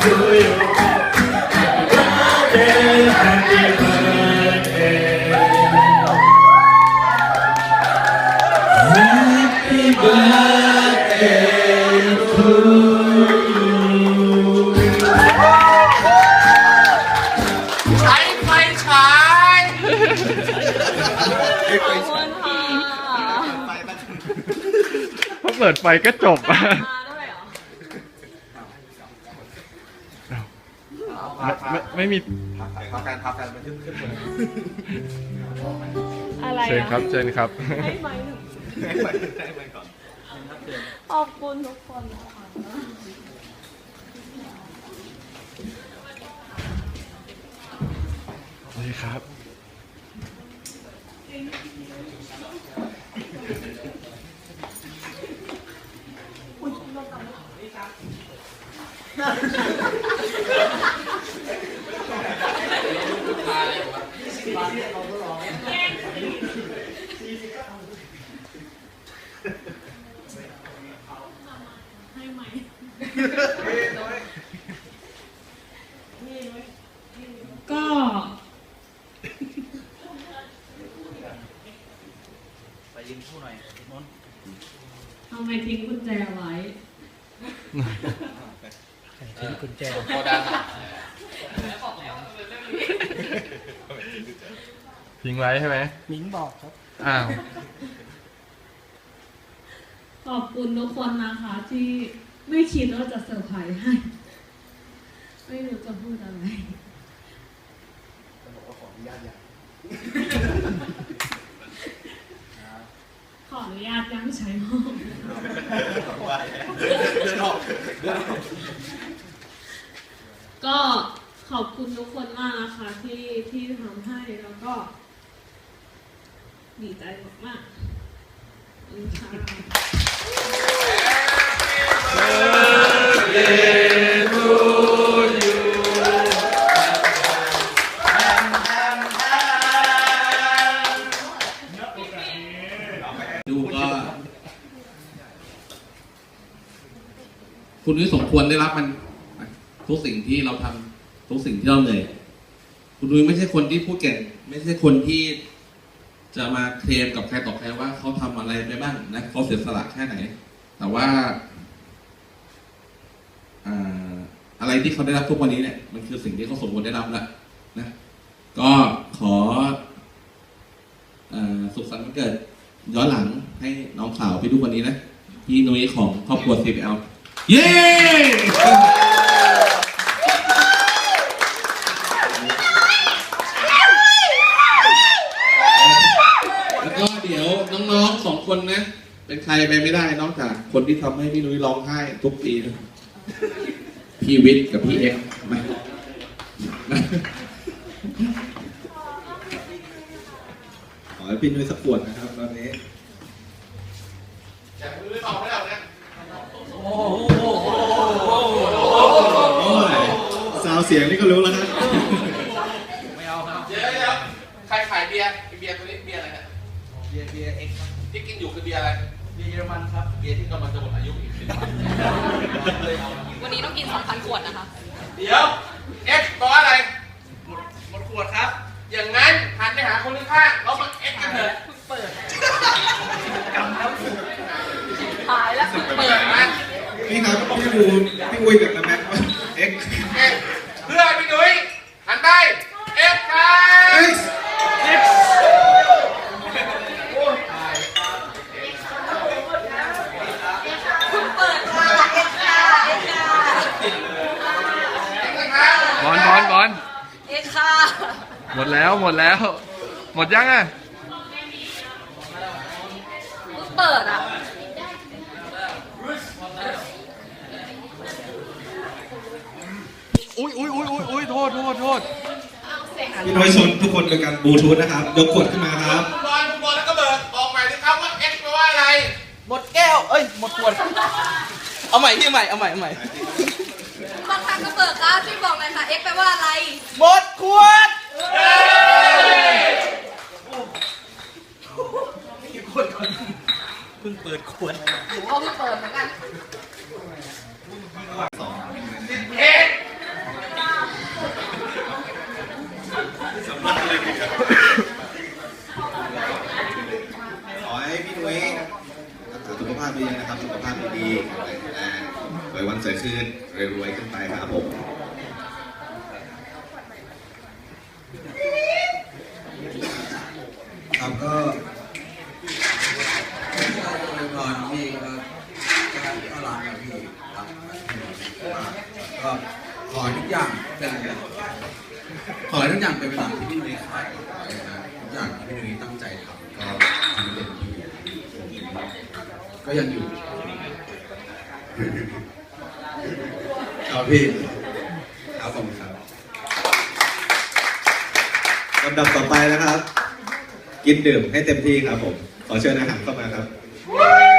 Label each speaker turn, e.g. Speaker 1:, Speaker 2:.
Speaker 1: to you. Happy birthday. Happy birthday to you.
Speaker 2: ใช้ไฟฉาย
Speaker 3: ขอบคุณค่ะ
Speaker 4: พอเปิดไฟก็จบ
Speaker 3: มาด้วยเหรอ
Speaker 4: ไม่มี
Speaker 2: พักกันมันขึ้น
Speaker 3: อะไร
Speaker 4: เชิญครับเชิญครับ
Speaker 3: ให้ไหม
Speaker 2: ให้ไปก่อน
Speaker 3: ขอบคุณทุกคนนะคะ
Speaker 4: นี่ครับ
Speaker 3: ให้ไหมก็
Speaker 2: ไปยิงคู่หน่อยนนท์
Speaker 3: ทำไมทิ้งกุญแจไว้
Speaker 2: ทิ้งกุญแจโคดัง
Speaker 4: ทิ้งไว้ใช่ไหม
Speaker 2: มิ้งบอกครับ
Speaker 4: อ้าว
Speaker 3: ขอบคุณทุกคนนะคะที่ไม่คิดว่าจะเซอร์ไพรส์ให้ ไม่รู้จะพูดอะไร
Speaker 2: บอกว่าขออนุญาตอย่าง
Speaker 3: ขออนุญาตยังใช้ห้อง
Speaker 2: เดินออก
Speaker 3: ก็ขอบคุณทุกคนมากนะคะที่ทำให้แล้วก็ ดีใจมากๆขอบคุณค่ะ
Speaker 2: ดูก็คุณนุ้ยสมควรได้รับมันทุกสิ่งที่เราทำทุกสิ่งที่เราเหนื่อยคุณนุ้ยไม่ใช่คนที่พูดเก่งไม่ใช่คนที่จะมาเคลมกับใครต่อใครว่าเขาทำอะไรไปบ้างนะเขาเสียสละแค่ไหน แต่ว่าอะไรที่เขาได้รับทุกวันนี้เนี่ยมันคือสิ่งที่เขาสมควรได้รับแล้วนะก็ขอสุขสันต์วันเกิดย้อนหลังให้น้องสาวพี่ทุกวันนี้นะพี่นุ้ยของครอบครัว CPL เย้ แล้วก็เดี๋ยวน้องๆ2 คนนะเป็นใครไปไม่ได้นอกจากคนที่ทำให้พี่นุ้ยร้องไห้ทุกปีนะพี่วิทย์กับพี่เอ็กซ์มา
Speaker 1: ขอให้พี่นุ้ยสักขวดนะครับตอนนี้
Speaker 2: แต่มือต่อไม่ได้นะ
Speaker 1: โอ้ยซาวเสียงนี่ก็รู้แล้วนะ
Speaker 2: ไม่เอาครับเดี๋ยวใครขายเบียร์ตัวนี้เบียร์อะไรเนี่ยเบียร์เอ็กซ์ที่กินอยู่คือเบียร์อะไรเบียร์เยอรมันครับเบียร์ที่กำลังจะหมดอายุอีก10 วัน
Speaker 3: วันนี้ต้องกิน 2,000 ขวดนะคะ
Speaker 2: เดี๋ยวเอ็กซ์บอกว่าอะไรหมดขวดครับ อย่างนั้นหันไปหาคนข้างๆเรามาเอ็กซ์กันเถอะ
Speaker 3: เปิดหายแล้วเปิด
Speaker 2: นะ
Speaker 1: นี่ครับพี่ดูพี่อุ้ยกับน้าแม็กซ์เอ็กซ์
Speaker 2: เพื่อพี่นุ้ยหันไปเอ็กซ์ครับ
Speaker 1: เอ็กซ์
Speaker 4: บอล
Speaker 3: เอ็กค่ะ
Speaker 4: หมดแล้ว หมดยังอ่ะ
Speaker 3: เปิดอ่ะ
Speaker 4: อุ้ยโทษ
Speaker 1: พี่นุ้ยชนทุกคนโดยการบลูทูธนะครับ ยกขวดขึ้นมาครับ
Speaker 2: คุณบอลแล้วก็เบิร์ดบอกใหม่สิครับว่าเอ็กซ์แปลว่าอะไร
Speaker 5: หมดแก้ว เอ้ย หมดขวด เอาใหม่พี่ใหม่ เอาใหม่
Speaker 3: บางครั้งก็เปิดครับช่วยบอกหน่อยค่ะ เอ็กแปลว่าอะไร
Speaker 5: หมดขวด
Speaker 2: เพิ่งเปิดขวด
Speaker 3: หนูก็เพิ่งเปิดเหมือนกัน
Speaker 2: เอ็ก
Speaker 1: รวยๆขึ้นไปครับผมครับก็
Speaker 6: ตอนพี่ก็รักนะพี่รักก็ขอให้ทุกอย่างเป็นขอให้ทุกอย่างเป็นไปตามที่พี่นุ้ยขายนะทุกอย่างที่พี่นุ้ยตั้งใจทำก็ทำเต็มที่ก็ยังอยู่ครับพี่ครับผมครับ
Speaker 1: ลำดับต่อไปนะครับ กินดื่มให้เต็มที่ครับผม ขอเชิญอาหารเข้ามาครับ